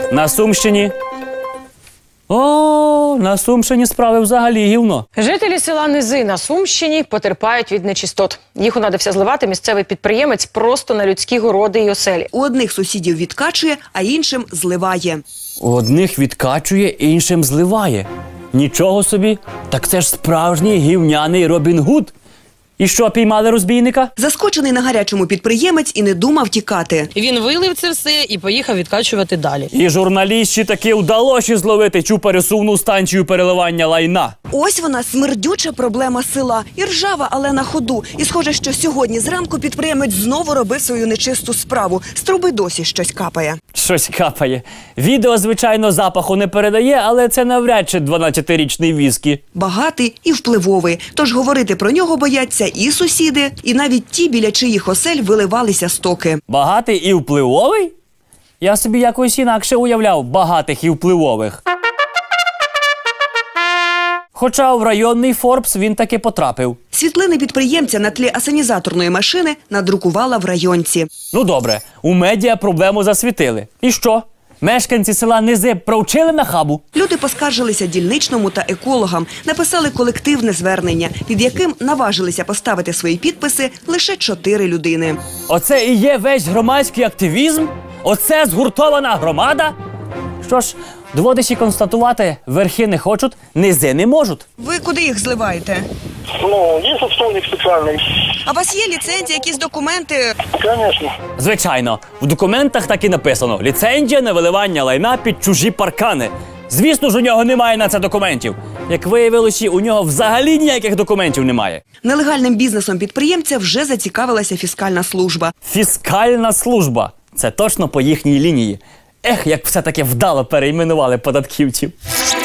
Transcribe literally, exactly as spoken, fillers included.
На Сумщині. О, на Сумщині справи взагалі гівно. Жителі села Низи на Сумщині потерпають від нечистот. Їх унадився зливати місцевий підприємець просто на людські городи й оселі. У одних сусідів відкачує, а іншим зливає. У одних відкачує, іншим зливає. Нічого собі, так це ж справжній гівняний Робін Гуд. І що, піймали розбійника? Заскочений на гарячому підприємець і не думав тікати. Він вилив це все і поїхав відкачувати далі. І журналістці таки вдалося зловити цю пересувну станцію переливання лайна. Ось вона, смердюча проблема села. І ржава, але на ходу. І схоже, що сьогодні зранку підприємець знову робив свою нечисту справу. З труби досі щось капає. Щось капає. Відео, звичайно, запаху не передає, але це навряд чи дванадцятирічний віскі. Багатий і впливовий. Тож говорити про нього бояться і сусіди, і навіть ті, біля чиїх осель виливалися стоки. Багатий і впливовий? Я собі якось інакше уявляв багатих і впливових. Хоча в районний Форбс він таки потрапив. Світлини підприємця на тлі асанізаторної машини надрукувала в районці. Ну добре, у медіа проблему засвітили. І що? Мешканці села Низи провчили на хабу? Люди поскаржилися дільничному та екологам, написали колективне звернення, під яким наважилися поставити свої підписи лише чотири людини. Оце і є весь громадський активізм? Оце згуртована громада? Що ж, доводиться констатувати, верхи не хочуть, низи не можуть. Ви куди їх зливаєте? Ну, є отстойник спеціальний. А у вас є ліцензія, якісь документи? Звісно. Звичайно, в документах так і написано: ліцензія на виливання лайна під чужі паркани. Звісно ж, у нього немає на це документів. Як виявилося, у нього взагалі ніяких документів немає. Нелегальним бізнесом підприємця вже зацікавилася фіскальна служба. Фіскальна служба. Це точно по їхній лінії. Ех, як все-таки вдало перейменували податківців.